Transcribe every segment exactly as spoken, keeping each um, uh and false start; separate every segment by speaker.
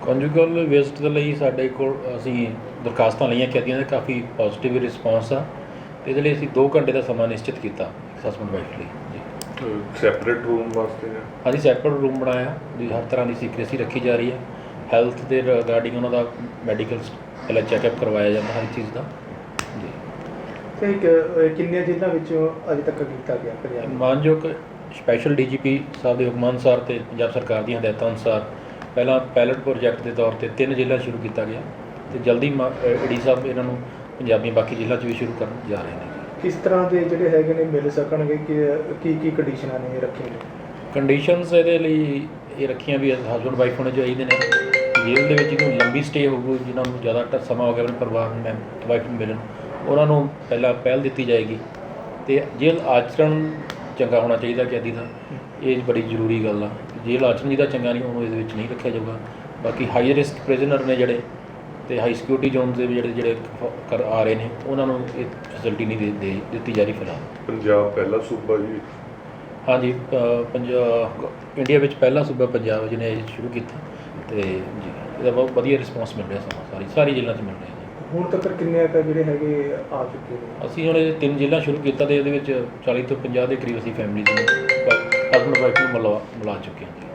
Speaker 1: ਕੰਜੂਗਲ waste ਦੇ ਲਈ ਸਾਡੇ ਕੋਲ ਅਸੀਂ ਦਰਖਾਸਤਾਂ ਲਈਆਂ ਕੈਦੀਆਂ ਦਾ ਕਾਫੀ ਪੋਜ਼ਿਟਿਵ ਰਿਸਪੌਂਸ ਆ ਅਤੇ ਇਹਦੇ ਲਈ ਅਸੀਂ ਦੋ ਘੰਟੇ ਦਾ ਸਮਾਂ ਨਿਸ਼ਚਿਤ ਕੀਤਾ ਹਸਬੈਂਡ ਵਾਈਫ ਲਈ ਜੀ।
Speaker 2: ਸੈਪਰੇਟ ਰੂਮ ਵਾਸਤੇ
Speaker 1: ਹਾਂਜੀ ਸੈਪਰੇਟ ਰੂਮ ਬਣਾਇਆ ਜੀ, ਹਰ ਤਰ੍ਹਾਂ ਦੀ ਸੀਕ੍ਰੇਸੀ ਰੱਖੀ ਜਾ ਰਹੀ ਹੈ। ਹੈਲਥ ਦੇ ਰਿਗਾਰਡਿੰਗ ਉਹਨਾਂ ਦਾ ਮੈਡੀਕਲ ਪਹਿਲਾਂ ਚੈੱਕਅਪ ਕਰਵਾਇਆ ਜਾਂਦਾ ਹਰ ਚੀਜ਼ ਦਾ ਜੀ।
Speaker 3: ਤੇ ਕਿੰਨੀਆਂ ਜ਼ਿਲ੍ਹਿਆਂ ਵਿੱਚੋਂ ਅਜੇ ਤੱਕ ਕੀਤਾ ਗਿਆ ਪੰਜਾਬ?
Speaker 1: ਮਾਨਯੋਗ ਸਪੈਸ਼ਲ ਡੀ ਜੀ ਪੀ ਸਾਹਿਬ ਦੇ ਹੁਕਮਾਂ ਅਨੁਸਾਰ ਅਤੇ ਪੰਜਾਬ ਸਰਕਾਰ ਦੀਆਂ ਹਦਾਇਤਾਂ ਅਨੁਸਾਰ ਪਹਿਲਾਂ ਪਾਇਲਟ ਪ੍ਰੋਜੈਕਟ ਦੇ ਤੌਰ 'ਤੇ ਤਿੰਨ ਜ਼ਿਲ੍ਹਿਆਂ ਸ਼ੁਰੂ ਕੀਤਾ ਗਿਆ ਅਤੇ ਜਲਦੀ ਮਾ ਡੀ ਸਾਹਿਬ ਇਹਨਾਂ ਨੂੰ ਪੰਜਾਬੀ ਬਾਕੀ ਜ਼ਿਲ੍ਹਿਆਂ 'ਚ ਵੀ ਸ਼ੁਰੂ ਕਰਨ ਜਾ ਰਹੇ ਨੇ।
Speaker 3: ਕਿਸ ਤਰ੍ਹਾਂ ਦੇ ਜਿਹੜੇ ਹੈਗੇ ਨੇ ਮਿਲ ਸਕਣਗੇ ਕਿ ਕੀ ਕੀ ਕੰਡੀਸ਼ਨਾਂ ਨੇ ਰੱਖੀਆਂ ਨੇ?
Speaker 1: ਕੰਡੀਸ਼ਨਸ ਇਹਦੇ ਲਈ ਇਹ ਰੱਖੀਆਂ ਵੀ ਹਸਬੈਂਡ ਵਾਈਫ ਹੋਣੇ ਚਾਹੀਦੇ ਨੇ, ਜੇਲ੍ਹ ਦੇ ਵਿੱਚ ਜਿਹਨੂੰ ਲੰਬੀ ਸਟੇ ਹੋਊਗੀ, ਜਿਨ੍ਹਾਂ ਨੂੰ ਜ਼ਿਆਦਾ ਸਮਾਂ ਹੋ ਗਿਆ ਆਪਣੇ ਪਰਿਵਾਰ ਨੂੰ ਮੈਂ ਵਾਈਫ ਨੂੰ ਮਿਲਣ, ਉਹਨਾਂ ਨੂੰ ਪਹਿਲਾਂ ਪਹਿਲ ਦਿੱਤੀ ਜਾਏਗੀ। ਅਤੇ ਜੇਲ੍ਹ ਆਚਰਣ ਚੰਗਾ ਹੋਣਾ ਚਾਹੀਦਾ ਕੈਦੀ ਦਾ, ਇਹ ਬੜੀ ਜ਼ਰੂਰੀ ਗੱਲ ਆ। ਜੇਲ੍ਹ ਆਚਰਣ ਜਿਹਦਾ ਚੰਗਾ ਨਹੀਂ ਉਹਨੂੰ ਇਹਦੇ ਵਿੱਚ ਨਹੀਂ ਰੱਖਿਆ ਜਾਊਗਾ। ਬਾਕੀ ਹਾਈ ਰਿਸਕ ਪ੍ਰਿਜ਼ਨਰ ਨੇ ਜਿਹੜੇ ਅਤੇ ਹਾਈ ਸਿਕਿਉਰਿਟੀ ਜ਼ੋਨਸ ਦੇ ਜਿਹੜੇ ਜਿਹੜੇ ਕਰ ਆ ਰਹੇ ਨੇ ਉਹਨਾਂ ਨੂੰ ਇਹ ਫੈਸਿਲਿਟੀ ਨਹੀਂ ਦੇ ਦੇ ਦਿੱਤੀ ਜਾ ਰਹੀ ਫਿਲਹਾਲ।
Speaker 2: ਪੰਜਾਬ ਪਹਿਲਾ ਸੂਬਾ ਜੀ?
Speaker 1: ਹਾਂਜੀ ਪੰਜਾਬ ਇੰਡੀਆ ਵਿੱਚ ਪਹਿਲਾ ਸੂਬਾ ਪੰਜਾਬ ਜਿਹਨੇ ਇਹ ਸ਼ੁਰੂ ਕੀਤਾ ਅਤੇ ਜੀ ਇਹਦਾ ਬਹੁਤ ਵਧੀਆ ਰਿਸਪੌਂਸ ਮਿਲ ਰਿਹਾ ਸਮਾਂ ਸਾਰੀ ਸਾਰੀ ਜ਼ਿਲ੍ਹਿਆਂ 'ਚ ਮਿਲ ਰਿਹਾ ਜੀ।
Speaker 3: ਹੁਣ ਤੱਕ ਕਿੰਨੇ ਕੁ ਜਿਹੜੇ ਹੈਗੇ ਆ ਚੁੱਕੇ ਨੇ?
Speaker 1: ਅਸੀਂ ਹੁਣ ਇਹ ਤਿੰਨ ਜ਼ਿਲ੍ਹਾ ਸ਼ੁਰੂ ਕੀਤਾ ਅਤੇ ਇਹਦੇ ਵਿੱਚ ਚਾਲੀ ਤੋਂ ਪੰਜਾਹ ਦੇ ਕਰੀਬ ਅਸੀਂ ਫੈਮਲੀਜ਼ ਨੂੰ ਹਸਬੈਂਡ ਵਾਈਫ ਨੂੰ ਮਿਲਾ ਮਿਲਾ ਚੁੱਕੇ ਹਾਂ ਜੀ।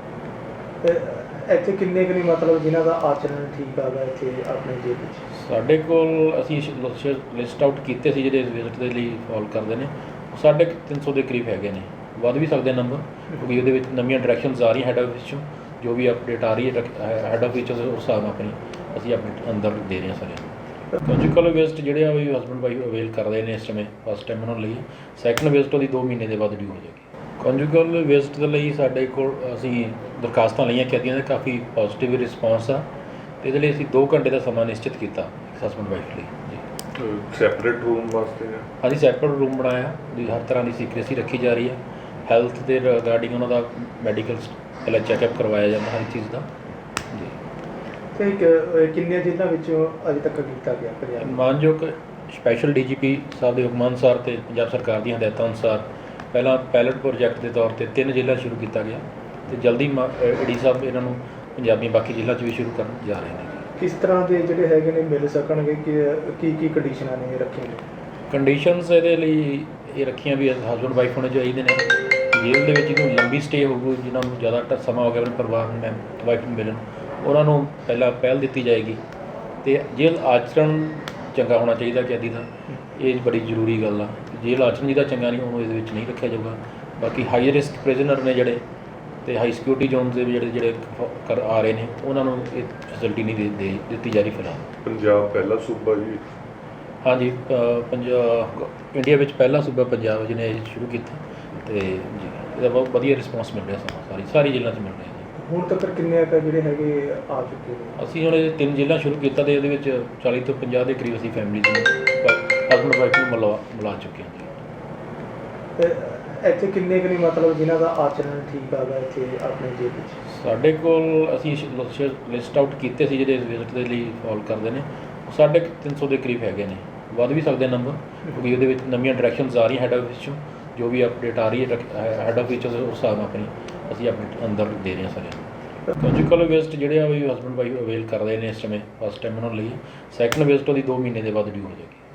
Speaker 3: ਤੇ ਇੱਥੇ ਕਿੰਨੇ ਕੁ ਨਹੀਂ ਮਤਲਬ ਜਿਨ੍ਹਾਂ ਦਾ ਆਚਰਣ ਠੀਕ ਆਗਾ ਇੱਥੇ ਆਪਣੇ ਜੇਲ੍ਹ ਵਿੱਚ?
Speaker 1: ਸਾਡੇ ਕੋਲ ਅਸੀਂ ਲਿਸਟ ਆਊਟ ਕੀਤੇ ਸੀ ਜਿਹੜੇ ਵਿਜ਼ਿਟ ਦੇ ਲਈ ਫੋਲ ਕਰਦੇ ਨੇ, ਸਾਢੇ ਤਿੰਨ ਸੌ ਦੇ ਕਰੀਬ ਹੈਗੇ ਨੇ, ਵੱਧ ਵੀ ਸਕਦੇ ਨੰਬਰ ਕਿਉਂਕਿ ਉਹਦੇ ਵਿੱਚ ਨਵੀਆਂ ਡਾਇਰੈਕਸ਼ਨਸ ਆ ਰਹੀਆਂ ਹੈਡ ਆਫਿਸ 'ਚੋਂ, ਜੋ ਵੀ ਅਪਡੇਟ ਆ ਰਹੀ ਹੈ ਹੈਡ ਆਫਿਸ ਉਸ ਹਿਸਾਬ ਨਾਲ ਆਪਣੀ ਅਸੀਂ ਆਪਣੇ ਅੰਦਰ ਦੇ ਰਹੇ ਹਾਂ ਸਾਰਿਆਂ ਨੂੰ। ਕੰਜੂਗਲ ਵੇਸਟ ਜਿਹੜੇ ਆ ਵੀ ਹਸਬੈਂਡ ਵਾਈਫ ਅਵੇਲ ਕਰ ਰਹੇ ਨੇ ਇਸ ਸਮੇਂ, ਫਸਟ ਟਾਈਮ ਉਹਨਾਂ ਲਈ। ਸੈਕਿੰਡ ਵੇਸਟ ਉਹਦੀ ਦੋ ਮਹੀਨੇ ਦੇ ਬਾਅਦ ਡਿਊ ਹੋ ਜਾਏਗੀ। ਕੰਜੂਗਲ ਵੇਸਟ ਦੇ ਲਈ ਸਾਡੇ ਕੋਲ ਅਸੀਂ ਦਰਖਾਸਤਾਂ ਲਈਆਂ ਕੈਦੀਆਂ ਦਾ ਕਾਫੀ ਪੋਜ਼ਿਟਿਵ ਰਿਸਪੌਂਸ ਆ ਅਤੇ ਇਹਦੇ ਲਈ ਅਸੀਂ ਦੋ ਘੰਟੇ ਦਾ ਸਮਾਂ ਨਿਸ਼ਚਿਤ ਕੀਤਾ ਹਸਬੈਂਡ ਵਾਈਫ ਲਈ ਜੀ।
Speaker 2: ਸੈਪਰੇਟ ਰੂਮ ਵਾਸਤੇ
Speaker 1: ਹਾਂਜੀ ਸੈਪਰੇਟ ਰੂਮ ਬਣਾਇਆ ਜੀ, ਹਰ ਤਰ੍ਹਾਂ ਦੀ ਸੀਕ੍ਰੇਸੀ ਰੱਖੀ ਜਾ ਰਹੀ ਹੈ। ਹੈਲਥ ਦੇ ਰਿਗਾਰਡਿੰਗ ਉਹਨਾਂ ਦਾ ਮੈਡੀਕਲ ਪਹਿਲਾਂ ਚੈੱਕਅਪ ਕਰਵਾਇਆ ਜਾਂਦਾ ਹਰ ਚੀਜ਼ ਦਾ ਜੀ।
Speaker 3: ਤੇ ਕਿੰਨੀਆਂ ਜ਼ਿਲ੍ਹਿਆਂ ਵਿੱਚੋਂ ਅਜੇ ਤੱਕ ਕੀਤਾ ਗਿਆ ਪੰਜਾਬ?
Speaker 1: ਮਾਨਯੋਗ ਸਪੈਸ਼ਲ ਡੀ ਜੀ ਪੀ ਸਾਹਿਬ ਦੇ ਹੁਕਮਾਂ ਅਨੁਸਾਰ ਅਤੇ ਪੰਜਾਬ ਸਰਕਾਰ ਦੀਆਂ ਹਦਾਇਤਾਂ ਅਨੁਸਾਰ ਪਹਿਲਾਂ ਪਾਇਲਟ ਪ੍ਰੋਜੈਕਟ ਦੇ ਤੌਰ 'ਤੇ ਤਿੰਨ ਜ਼ਿਲ੍ਹਿਆਂ ਸ਼ੁਰੂ ਕੀਤਾ ਗਿਆ ਅਤੇ ਜਲਦੀ ਮਾ ਡੀ ਸਾਹਿਬ ਇਹਨਾਂ ਨੂੰ ਪੰਜਾਬੀ ਬਾਕੀ ਜ਼ਿਲ੍ਹਿਆਂ 'ਚ ਵੀ ਸ਼ੁਰੂ ਕਰਨ ਜਾ ਰਹੇ ਨੇ।
Speaker 3: ਕਿਸ ਤਰ੍ਹਾਂ ਦੇ ਜਿਹੜੇ ਹੈਗੇ ਨੇ ਮਿਲ ਸਕਣਗੇ ਕਿ ਕੀ ਕੀ ਕੰਡੀਸ਼ਨਾਂ ਨੇ ਰੱਖੀਆਂ ਨੇ?
Speaker 1: ਕੰਡੀਸ਼ਨਸ ਇਹਦੇ ਲਈ ਇਹ ਰੱਖੀਆਂ ਵੀ ਹਸਬੈਂਡ ਵਾਈਫ ਹੋਣੇ ਚਾਹੀਦੇ ਨੇ, ਜੇਲ੍ਹ ਦੇ ਵਿੱਚ ਜਿਹਨੂੰ ਲੰਬੀ ਸਟੇ ਹੋਊਗੀ, ਜਿਨ੍ਹਾਂ ਨੂੰ ਜ਼ਿਆਦਾ ਸਮਾਂ ਹੋ ਗਿਆ ਆਪਣੇ ਪਰਿਵਾਰ ਨੂੰ ਮੈਂ ਵਾਈਫ ਨੂੰ ਮਿਲਣ, ਉਹਨਾਂ ਨੂੰ ਪਹਿਲਾਂ ਪਹਿਲ ਦਿੱਤੀ ਜਾਏਗੀ। ਅਤੇ ਜੇਲ੍ਹ ਆਚਰਣ ਚੰਗਾ ਹੋਣਾ ਚਾਹੀਦਾ ਕੈਦੀ ਦਾ, ਇਹ ਬੜੀ ਜ਼ਰੂਰੀ ਗੱਲ ਆ। ਜੇਲ੍ਹ ਆਚਰਣ ਜਿਹਦਾ ਚੰਗਾ ਨਹੀਂ ਉਹਨੂੰ ਇਹਦੇ ਵਿੱਚ ਨਹੀਂ ਰੱਖਿਆ ਜਾਊਗਾ। ਬਾਕੀ ਹਾਈ ਰਿਸਕ ਪ੍ਰਿਜ਼ਨਰ ਨੇ ਜਿਹੜੇ ਅਤੇ ਹਾਈ ਸਿਕਿਉਰਿਟੀ ਜ਼ੋਨਸ ਦੇ ਜਿਹੜੇ ਜਿਹੜੇ ਕਰ ਆ ਰਹੇ ਨੇ ਉਹਨਾਂ ਨੂੰ ਇਹ ਫੈਸਿਲਿਟੀ ਨਹੀਂ ਦੇ ਦੇ ਦਿੱਤੀ ਜਾ ਰਹੀ ਫਿਲਹਾਲ।
Speaker 2: ਪੰਜਾਬ ਪਹਿਲਾ ਸੂਬਾ ਜੀ?
Speaker 1: ਹਾਂਜੀ ਪੰਜਾਬ ਇੰਡੀਆ ਵਿੱਚ ਪਹਿਲਾ ਸੂਬਾ ਪੰਜਾਬ ਜਿਹਨੇ ਇਹ ਸ਼ੁਰੂ ਕੀਤਾ ਅਤੇ ਜੀ ਇਹਦਾ ਬਹੁਤ ਵਧੀਆ ਰਿਸਪੌਂਸ ਮਿਲ ਰਿਹਾ ਸਮਾਂ ਸਾਰੀ ਸਾਰੀ ਜ਼ਿਲ੍ਹਿਆਂ 'ਚ ਮਿਲ ਰਿਹਾ ਜੀ।
Speaker 3: ਹੁਣ ਤੱਕ ਕਿੰਨੇ ਕੁ ਜਿਹੜੇ ਹੈਗੇ ਆ ਚੁੱਕੇ ਨੇ?
Speaker 1: ਅਸੀਂ ਹੁਣ ਇਹ ਤਿੰਨ ਜ਼ਿਲ੍ਹਾ ਸ਼ੁਰੂ ਕੀਤਾ ਅਤੇ ਇਹਦੇ ਵਿੱਚ ਚਾਲੀ ਤੋਂ ਪੰਜਾਹ ਦੇ ਕਰੀਬ ਅਸੀਂ ਫੈਮਲੀਜ਼ ਨੂੰ ਹਸਬੈਂਡ ਵਾਈਫ ਨੂੰ ਮਿਲਾ ਮਿਲਾ ਚੁੱਕੇ ਹਾਂ ਜੀ।
Speaker 3: ਤੇ ਇੱਥੇ ਕਿੰਨੇ ਕੁ ਨਹੀਂ ਮਤਲਬ ਜਿਨ੍ਹਾਂ ਦਾ ਆਚਰਣ ਠੀਕ ਆਗਾ ਇੱਥੇ ਆਪਣੇ ਜੇਲ੍ਹ ਵਿੱਚ?
Speaker 1: ਸਾਡੇ ਕੋਲ ਅਸੀਂ ਲਿਸਟ ਆਊਟ ਕੀਤੇ ਸੀ ਜਿਹੜੇ ਵਿਜ਼ਿਟ ਦੇ ਲਈ ਫੋਲ ਕਰਦੇ ਨੇ, ਸਾਢੇ ਤਿੰਨ ਸੌ ਦੇ ਕਰੀਬ ਹੈਗੇ ਨੇ, ਵੱਧ ਵੀ ਸਕਦੇ ਨੰਬਰ ਕਿਉਂਕਿ ਉਹਦੇ ਵਿੱਚ ਨਵੀਆਂ ਡਾਇਰੈਕਸ਼ਨਸ ਆ ਰਹੀਆਂ ਹੈਡ ਆਫਿਸ 'ਚੋਂ, ਜੋ ਵੀ ਅਪਡੇਟ ਆ ਰਹੀ ਹੈ ਹੈਡ ਆਫਿਸ ਉਸ ਹਿਸਾਬ ਨਾਲ ਆਪਣੀ ਅਸੀਂ ਆਪਣੇ ਅੰਦਰ ਦੇ ਰਹੇ ਹਾਂ ਸਾਰਿਆਂ ਨੂੰ। ਕੰਜੂਗਲ ਵੇਸਟ ਜਿਹੜੇ ਆ ਵੀ ਹਸਬੈਂਡ ਵਾਈਫ ਅਵੇਲ ਕਰ ਰਹੇ ਨੇ ਇਸ ਸਮੇਂ, ਫਸਟ ਟਾਈਮ ਉਹਨਾਂ ਲਈ। ਸੈਕਿੰਡ ਵੇਸਟ ਉਹਦੀ ਦੋ ਮਹੀਨੇ ਦੇ ਬਾਅਦ ਡਿਊ ਹੋ ਜਾਏਗੀ।